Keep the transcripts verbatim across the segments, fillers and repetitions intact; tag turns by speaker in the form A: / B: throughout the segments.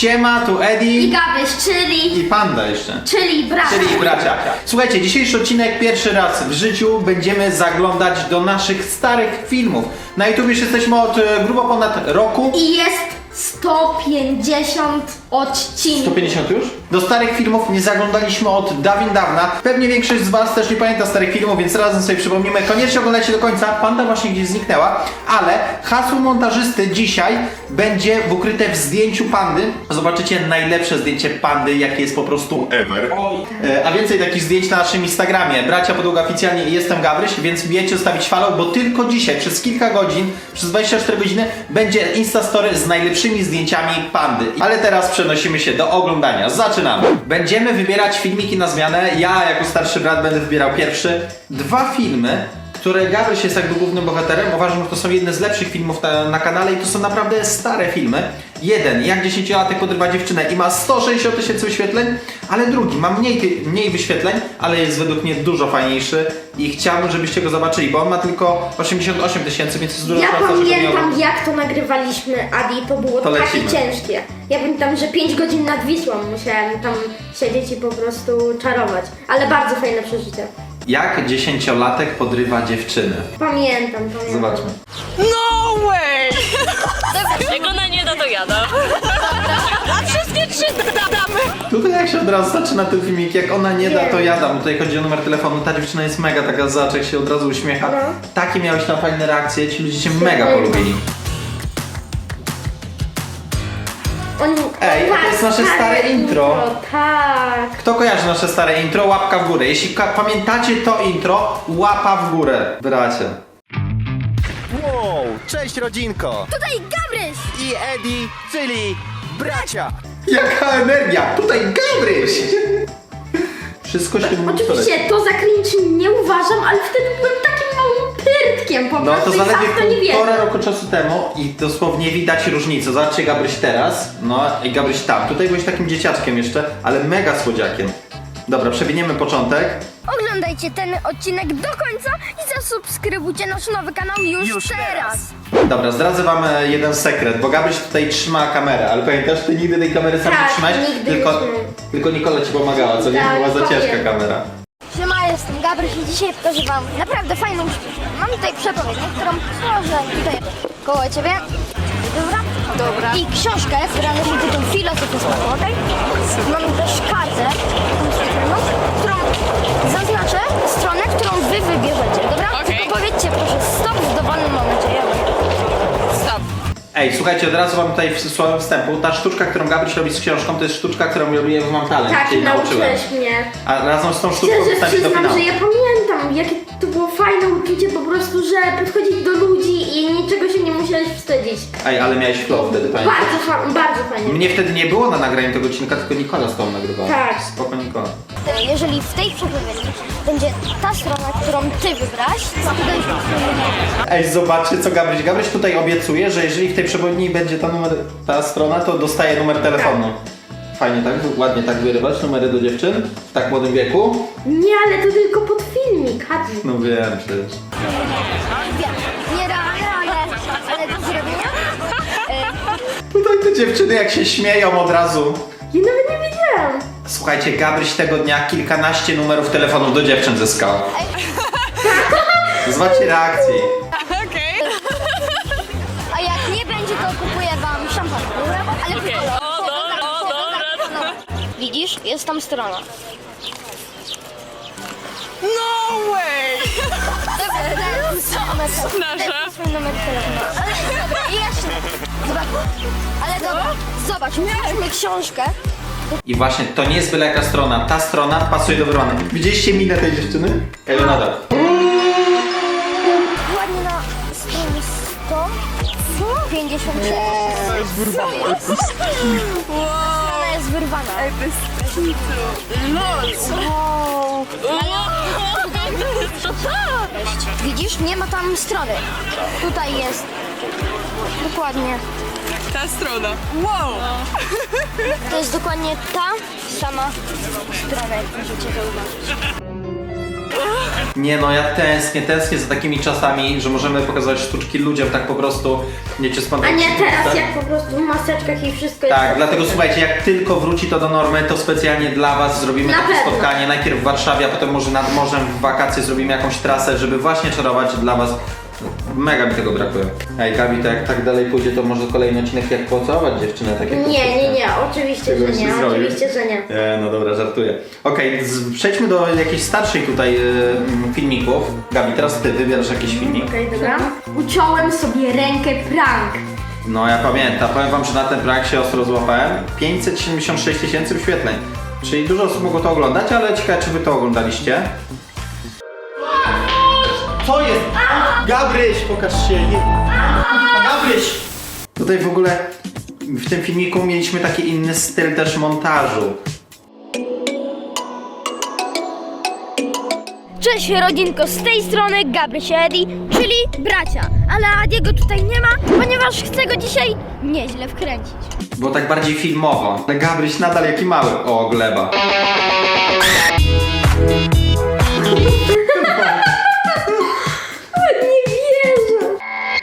A: Siema, tu Eddie.
B: I Gabryś, czyli...
A: I Panda jeszcze.
B: Czyli bracia.
A: Czyli bracia. Słuchajcie, dzisiejszy odcinek pierwszy raz w życiu będziemy zaglądać do naszych starych filmów. Na YouTube już jesteśmy od e, grubo ponad roku.
B: I jest sto pięćdziesiąt odcinków.
A: sto pięćdziesiąt już? Do starych filmów nie zaglądaliśmy od dawien dawna. Pewnie większość z was też nie pamięta starych filmów, więc razem sobie przypomnimy. Koniecznie oglądajcie do końca. Panda właśnie gdzieś zniknęła, ale hasło montażysty dzisiaj będzie ukryte w zdjęciu Pandy. Zobaczycie najlepsze zdjęcie Pandy, jakie jest po prostu ever. E, A więcej takich zdjęć na naszym Instagramie. Bracia Podłoga oficjalnie i jestem Gabryś, więc wiecie zostawić follow, bo tylko dzisiaj przez kilka godzin, przez dwadzieścia cztery godziny będzie Instastory z najlepszymi zdjęciami Pandy. Ale teraz przenosimy się do oglądania. Zaczynamy. Będziemy wybierać filmiki na zmianę. Ja jako starszy brat będę wybierał pierwszy. Dwa filmy, które Gabryś jest jakby głównym bohaterem. Uważam, że to są jedne z lepszych filmów na, na kanale i to są naprawdę stare filmy. Jeden, jak dziesięciolatek podrywa dziewczynę i ma sto sześćdziesiąt tysięcy wyświetleń, ale drugi ma mniej, mniej wyświetleń, ale jest według mnie dużo fajniejszy i chciałbym, żebyście go zobaczyli, bo on ma tylko osiemdziesiąt osiem tysięcy, więc jest dużo
B: Ja
A: szansa, żeby
B: pamiętam
A: miał...
B: jak to nagrywaliśmy, Adi, to było
A: To
B: takie
A: lecimy.
B: ciężkie. Ja pamiętam, że pięć godzin nad Wisłą musiałem tam siedzieć i po prostu czarować. Ale bardzo fajne przeżycie.
A: Jak dziesięciolatek podrywa dziewczynę.
B: Pamiętam, pamiętam.
A: Zobaczmy.
C: No way! Jak ona nie da, to jada. A wszystkie trzy damy.
A: Tutaj jak się od razu zaczyna ten filmik, jak ona nie da, to
B: Wiem.
A: ja dam. Tutaj chodzi o numer telefonu, ta dziewczyna jest mega taka zaczek, się od razu uśmiecha.
B: No.
A: Takie miałeś tam fajne reakcje, ci ludzie cię mega polubili.
B: On...
A: Ej, to jest nasze stare intro.
B: Tak.
A: Kto kojarzy nasze stare intro? Łapka w górę. Jeśli ka- pamiętacie to intro, łapa w górę, bracie.
D: Wow, cześć rodzinko!
B: Tutaj Gabryś!
D: I Eddie, czyli bracia!
A: Jaka energia! Tutaj Gabryś! Wszystko się mówi.
B: Oczywiście to za cringe nie uważam, ale wtedy byłem takim małym pyrtkiem po
A: No
B: prostu
A: to
B: i sam
A: zaledwie
B: w to nie wierzę.
A: półtora roku czasu temu i dosłownie widać różnicę. Zobaczcie Gabryś teraz, no i Gabryś tam. Tutaj byłeś takim dzieciaczkiem jeszcze, ale mega słodziakiem. Dobra, przewiniemy początek.
E: Oglądajcie ten odcinek do końca i zasubskrybujcie nasz nowy kanał już,
D: Już
E: teraz.
A: Dobra, zdradzę wam e, jeden sekret, bo Gabryś tutaj trzyma kamerę, ale pamiętasz, ty nigdy tej kamery sam
B: Tak,
A: nie trzymałeś,
B: nigdy
A: tylko,
B: nie trzymałem.
A: tylko Nikola ci pomagała, co nie
B: Tak,
A: była za
B: powiem.
A: ciężka kamera.
E: Siema, jestem Gabryś i dzisiaj pokażę wam naprawdę fajną sztuczkę. Mam tutaj przepowiednię, którą przyłożę tutaj koło ciebie. Dobra? Dobra. I książkę, która nosi tytuł Filozofia smaku, okej? Mam też kartę, którą zaznaczę stronę, którą wy wybierzecie, dobra?
C: Okej.
E: Tylko powiedzcie proszę stop w dowolnym momencie. Ja
C: Stop.
A: Ej, słuchajcie, od razu wam tutaj w słowem wstępu, ta sztuczka, którą Gabryś robi z książką, to jest sztuczka, którą robiłem w Mam Talent,
B: Tak,
A: cię nauczyłem.
B: nauczyłeś mnie.
A: A razem z tą sztuczką
B: Szczerze
A: wstąpić do
B: przyznam,
A: finału.
B: że ja pamiętam, jakie to było fajne uczucie po prostu, że podchodzić do ludzi i niczego się nie musiałeś wstydzić.
A: Ej, ale miałeś flow wtedy, pamiętasz?
B: Bardzo, fa- bardzo fajnie.
A: Mnie wtedy nie było na nagraniu tego odcinka, tylko Nikola z tobą nagrywała.
B: Tak.
A: Spoko Nikola.
E: Jeżeli w tej przepowiedni będzie ta strona, którą ty wybrasz, to wtedy już
A: Ej, zobaczcie co Gabryś. Gabryś tutaj obiecuje, że jeżeli w tej przewodni będzie ta, numer, ta strona, to dostaje numer telefonu. Fajnie tak, ładnie tak wyrywać numery do dziewczyn w tak młodym wieku.
B: Nie, ale to tylko pod filmik, Hadzi.
A: No wiem przecież.
E: wiem. Nierealne, ale, ale do zrobienia.
A: Tutaj te dziewczyny jak się śmieją od razu.
B: Ja nawet nie wiedziałam.
A: Słuchajcie, Gabryś tego dnia kilkanaście numerów telefonów do dziewczyn zyskał. Zobaczcie reakcji.
C: Okej.
E: A jak nie będzie, to kupuję wam szampan. Dobra? Ale
C: Okej.
E: okay.
C: O, dobra, o, dobra.
E: Widzisz? Jest tam strona.
C: No way!
E: Dobra, to jest numer telefonu.
C: Nasza.
E: To jest mój numer telefonu. Ale dobra, i jeszcze. Zobacz. Ale dobra, zobacz, mieliśmy książkę.
A: I właśnie to nie jest byle jaka strona. Ta strona pasuje do wyrwania. Widzieliście minę tej dziewczyny? Elonada.
E: Ładnie na stronie sto pięćdziesiąt sześć.
C: Wow.
E: Ona jest wyrwana.
C: Lol.
E: Wow.
C: Co to?
E: Widzisz? Nie ma tam strony. Tutaj jest. Dokładnie.
C: Ta strona. Wow.
E: To jest dokładnie ta sama strona, jak możecie zauważyć.
A: Nie no, ja tęsknię, tęsknię za takimi czasami, że możemy pokazać sztuczki ludziom tak po prostu, wiecie,
B: A
A: spontanicznie.
B: nie teraz, jak po prostu w maseczkach i wszystko
A: Tak,
B: jest...
A: dlatego słuchajcie, jak tylko wróci to do normy, to specjalnie dla was zrobimy
B: Na
A: takie
B: pewno.
A: spotkanie, najpierw w Warszawie, a potem może nad morzem w wakacje zrobimy jakąś trasę, żeby właśnie czarować dla was. Mega mi tego brakuje. Ej, Gabi, to jak tak dalej pójdzie, to może kolejny odcinek jak pocałować dziewczynę, tak jak
B: Nie, nie, nie, oczywiście,
A: Tego
B: że
A: się
B: nie,
A: zrobił.
B: oczywiście, że nie.
A: E, no dobra, żartuję. Okej, z- przejdźmy do jakichś starszych tutaj y, mm, filmików. Gabi, teraz ty wybierasz jakiś filmik.
B: Okej, dobra. Uciąłem sobie rękę prank.
A: No ja pamiętam, powiem wam, że na ten prank się ostro złapałem. pięćset siedemdziesiąt sześć tysięcy wyświetleń. Czyli dużo osób mogło to oglądać, ale ciekawe, czy wy to oglądaliście. Co jest? Gabryś, pokaż się. Gabryś! Tutaj w ogóle w tym filmiku mieliśmy taki inny styl też montażu.
E: Cześć rodzinko, z tej strony Gabryś i Edi, czyli bracia. Ale Adiego tutaj nie ma, ponieważ chcę go dzisiaj nieźle wkręcić.
A: Było tak bardziej filmowo. Ale Gabryś nadal jaki mały. O, gleba.
B: Nie wierzę.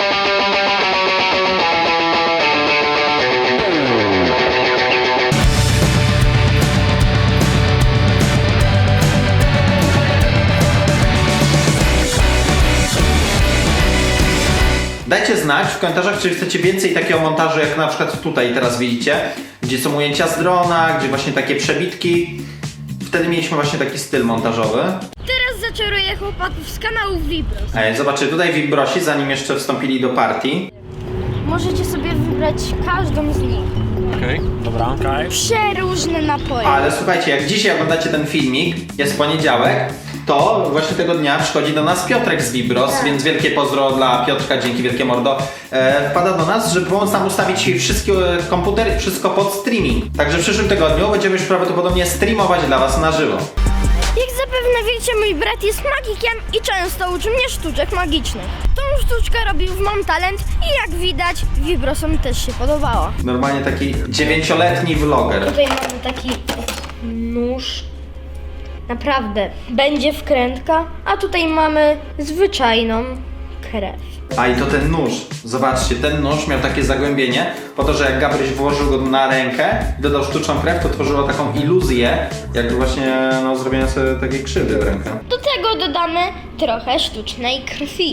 A: Dajcie znać w komentarzach, czy chcecie więcej takiego montażu, jak na przykład tutaj teraz widzicie, gdzie są ujęcia z drona, gdzie właśnie takie przebitki. Wtedy mieliśmy właśnie taki styl montażowy.
E: Teraz zaczaruję chłopaków z kanału Vibros.
A: Ej, zobaczcie, tutaj Vibrosi, zanim jeszcze wstąpili do partii.
E: Możecie sobie wybrać każdą z nich.
F: Okej, dobra. Okay.
E: Przeróżne napoje.
A: Ale słuchajcie, jak dzisiaj oglądacie ten filmik, jest poniedziałek, to właśnie tego dnia przychodzi do nas Piotrek z Vibros, więc wielkie pozdro dla Piotrka, dzięki wielkie mordo. E, wpada do nas, żeby pomóc nam ustawić wszystkie e, komputery, wszystko pod streaming. Także w przyszłym tygodniu będziemy już prawdopodobnie streamować dla was na żywo.
E: Jak zapewne wiecie, mój brat jest magikiem i często uczy mnie sztuczek magicznych. Tą sztuczkę robił w Mam Talent i jak widać, Vibrosom też się podobała.
A: Normalnie taki dziewięcioletni vloger.
E: Tutaj mamy taki nóż. Naprawdę, będzie wkrętka, a tutaj mamy zwyczajną krew.
A: A i to ten nóż. Zobaczcie, ten nóż miał takie zagłębienie, po to, że jak Gabryś włożył go na rękę i dodał sztuczną krew, to tworzyło taką iluzję, jakby właśnie no, zrobienia sobie takiej krzywdy w rękę.
E: Do tego dodamy trochę sztucznej krwi.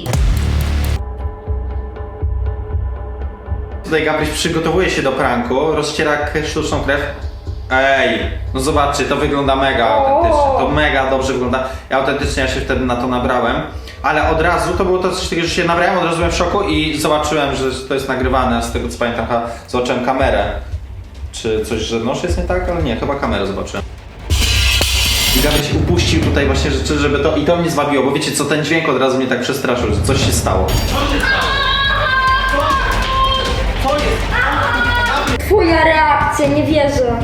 A: Tutaj Gabryś przygotowuje się do pranku, rozciera k- sztuczną krew. Ej, no zobaczcie, to wygląda mega autentycznie, to mega dobrze wygląda. Ja autentycznie ja się wtedy na to nabrałem, ale od razu to było to coś takiego, że się nabrałem, od razu byłem w szoku i zobaczyłem, że to jest nagrywane, z tego co pamiętam, chyba zobaczyłem kamerę. Czy coś, że nóż jest nie tak, ale nie, chyba kamerę zobaczyłem. I Gabryś upuścił tutaj właśnie rzeczy, żeby to, i to mnie zwabiło, bo wiecie co, ten dźwięk od razu mnie tak przestraszył, że coś się stało.
B: Twoja reakcja, nie wierzę.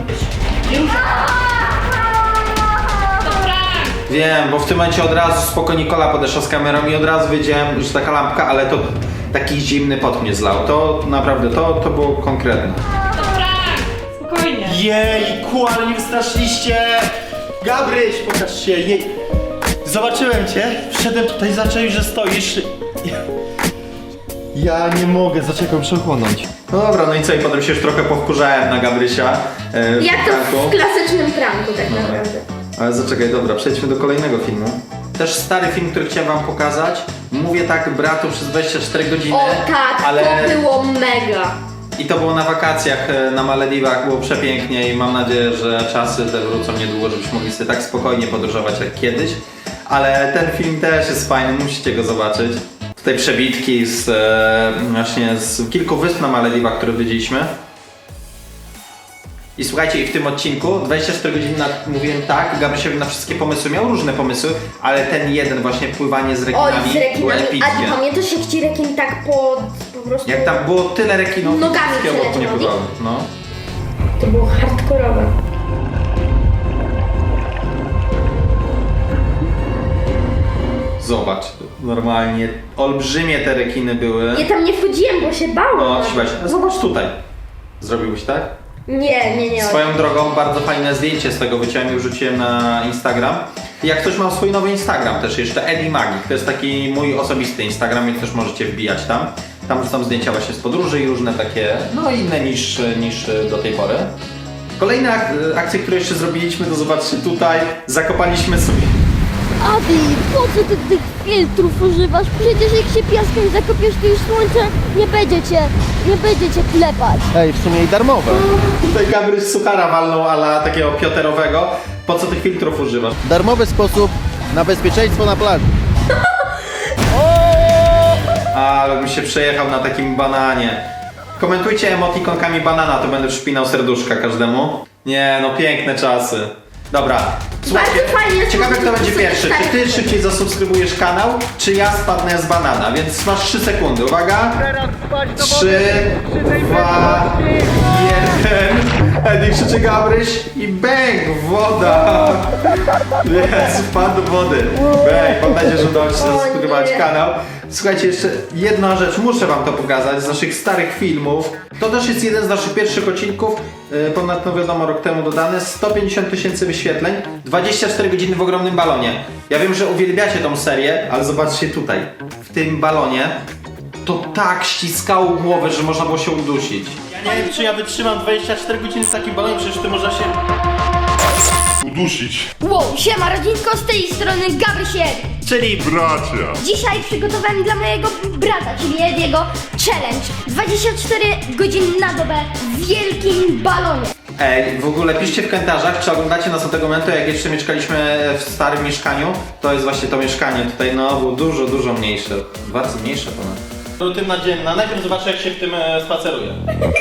A: Wiem, bo w tym momencie od razu spoko Nikola podeszła z kamerą i od razu wiedziałem, że taka lampka, ale to taki zimny pot mnie zlał. To naprawdę, to, to było konkretne.
C: Spokojnie.
D: Jejku, ale mnie wystraszyliście! Gabryś, pokaż się, jej! Zobaczyłem cię, wszedłem tutaj, zacząłem, że stoisz. Ja nie mogę, zaczekam przechłonąć.
A: No dobra, no i co, i potem się już trochę powkurzałem na Gabrysia. E, w
B: Jak to
A: pranku.
B: w klasycznym pranku tak naprawdę.
A: Ale zaczekaj, dobra, przejdźmy do kolejnego filmu. Też stary film, który chciałem wam pokazać. Mówię tak bratu przez dwadzieścia cztery godziny.
B: O tak,
A: ale...
B: to było mega.
A: I to było na wakacjach e, na Malediwach, było przepięknie i mam nadzieję, że czasy te wrócą niedługo, żebyśmy mogli sobie tak spokojnie podróżować jak kiedyś. Ale ten film też jest fajny, musicie go zobaczyć. Tutaj przebitki z e, właśnie z kilku wysp na Malediwach, które widzieliśmy. I słuchajcie, i w tym odcinku dwadzieścia cztery godziny na, mówiłem tak, Gabrysiowi na wszystkie pomysły, miał różne pomysły, ale ten jeden właśnie pływanie z rekinami,
B: Oj, z
A: był
B: rekinami.
A: epickie.
B: A pamiętasz jak ci rekin tak po, po prostu...
A: Jak tam było tyle rekinów,
B: Nogami
A: wszystkie obok nie
B: przeleciał,
A: pływały. No.
B: To było hardkorowe.
A: Zobacz, normalnie olbrzymie te rekiny były.
B: Ja tam nie wchodziłem, bo się bałam.
A: No, trzymaj się. Zobacz tutaj. Zrobiłbyś tak?
B: Nie, nie, nie.
A: Swoją drogą bardzo fajne zdjęcie z tego wyciąłem i wrzuciłem na Instagram. Jak ktoś ma swój nowy Instagram też jeszcze, Eddie Magik, to jest taki mój osobisty Instagram, więc też możecie wbijać tam. Tam wrzucam zdjęcia właśnie z podróży i różne takie, no inne niż, niż do tej pory. Kolejne ak- akcje, które jeszcze zrobiliśmy, to zobaczcie tutaj, zakopaliśmy sobie...
E: Adi, po co ty tych filtrów używasz? Przecież jak się piaskiem zakopiesz, to już słońce nie będzie cię, nie będzie cię klepać.
D: Ej, w sumie i darmowe.
A: Tutaj Gabryś suchara walnął, ala takiego pioterowego. Po co tych filtrów używasz?
D: Darmowy sposób na bezpieczeństwo na plaży.
A: Ale bym się przejechał na takim bananie. Komentujcie emotikonkami banana, to będę przypinał serduszka każdemu. Nie, no piękne czasy. Dobra, słuchajcie,
B: Bardzo fajnie,
A: ciekawe kto
B: że
A: będzie
B: sobie
A: pierwszy. Czy
B: tak.
A: ty szybciej zasubskrybujesz kanał, czy ja spadnę z banana? Więc masz trzy sekundy, uwaga. trzy, dwa, jeden. Eddie krzyczy Gabryś i bang, woda. Jest, wpadł do wody. Bang, mam nadzieję, że udało ci się
B: O
A: zasubskrybować
B: nie.
A: kanał. Słuchajcie, jeszcze jedna rzecz, muszę wam to pokazać z naszych starych filmów. To też jest jeden z naszych pierwszych odcinków, yy, ponad, no wiadomo, rok temu dodany. sto pięćdziesiąt tysięcy wyświetleń, dwadzieścia cztery godziny w ogromnym balonie. Ja wiem, że uwielbiacie tą serię, ale zobaczcie tutaj, w tym balonie, to tak ściskało głowę, że można było się udusić.
D: Ja nie wiem, czy ja wytrzymam dwadzieścia cztery godziny w takim balonie, przecież ty można się...
G: udusić.
E: Wow, siema rodzinko, z tej strony Gabrysiek.
D: Czyli...
G: Bracia.
E: Dzisiaj przygotowałem dla mojego brata, czyli Ediego, challenge. dwadzieścia cztery godziny na dobę w wielkim balonie.
A: Ej, w ogóle piszcie w komentarzach, czy oglądacie nas od tego momentu, jak jeszcze mieszkaliśmy w starym mieszkaniu. To jest właśnie to mieszkanie tutaj, no było dużo, dużo mniejsze. Dwa razy mniejsze ponad.
D: Rutyna dzienna. Najpierw zobaczę, jak się w tym e, spaceruje.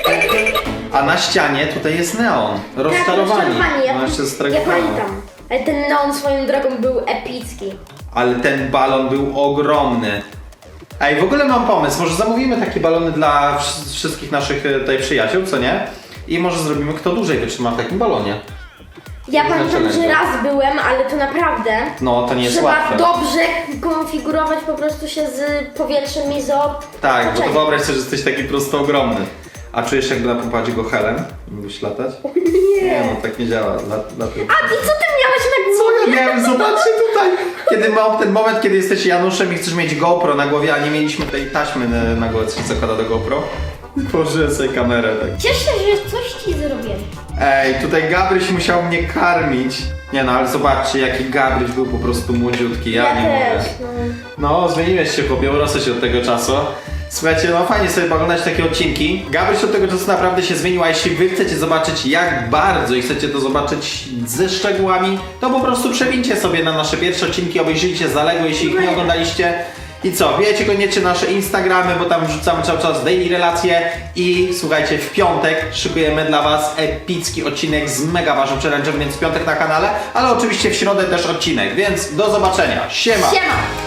A: A na ścianie tutaj jest neon.
B: Tak,
A: Rozczarowani.
B: rozczarowani, ja,
A: No jeszcze z tego
B: ja
A: planu.
B: pamiętam. Ale ten neon swoją drogą był epicki.
A: Ale ten balon był ogromny. Ej, w ogóle mam pomysł, może zamówimy takie balony dla wsz- wszystkich naszych e, tutaj przyjaciół, co nie? I może zrobimy, kto dłużej wytrzyma w takim balonie.
B: Ja
A: Nie
B: pamiętam,
A: zaczynaj
B: że
A: go.
B: raz byłem, ale to naprawdę
A: No, to nie jest
B: trzeba
A: łatwe.
B: dobrze konfigurować po prostu się z powietrzem i z
A: Tak, bo to
B: otoczeniem.
A: wyobraź sobie, że jesteś taki prosto ogromny. A czujesz, jakby napompować go helem? Mógłbyś latać? Nie, no tak nie działa. Lat, lat...
B: A ty co ty miałeś na
A: Co
B: głowie?
A: ja wiem, zobaczcie tutaj! Kiedy mam ten moment, kiedy jesteś Januszem i chcesz mieć GoPro na głowie, a nie mieliśmy tej taśmy na, na głowie, co się zakłada do GoPro. Położyłem sobie kamerę tak.
E: Cieszę się, że coś ci zrobiłem.
A: Ej, tutaj Gabryś musiał mnie karmić. Nie no, ale zobaczcie, jaki Gabryś był po prostu młodziutki, ja,
B: Ja
A: nie mówię.
B: też, no.
A: No, zmieniłeś się, chłopie, urosłeś od tego czasu. Słuchajcie, no fajnie sobie oglądać takie odcinki. Gabryś od tego czasu naprawdę się zmienił, a jeśli wy chcecie zobaczyć jak bardzo i chcecie to zobaczyć ze szczegółami, to po prostu przewincie sobie na nasze pierwsze odcinki, obejrzyjcie zaległe, jeśli ich nie oglądaliście. I co, wiecie koniecznie nasze Instagramy, bo tam wrzucamy cały czas daily relacje i słuchajcie, w piątek szykujemy dla was epicki odcinek z mega ważnym challenge'em, więc w piątek na kanale, ale oczywiście w środę też odcinek, więc do zobaczenia. Siema!
B: Siema!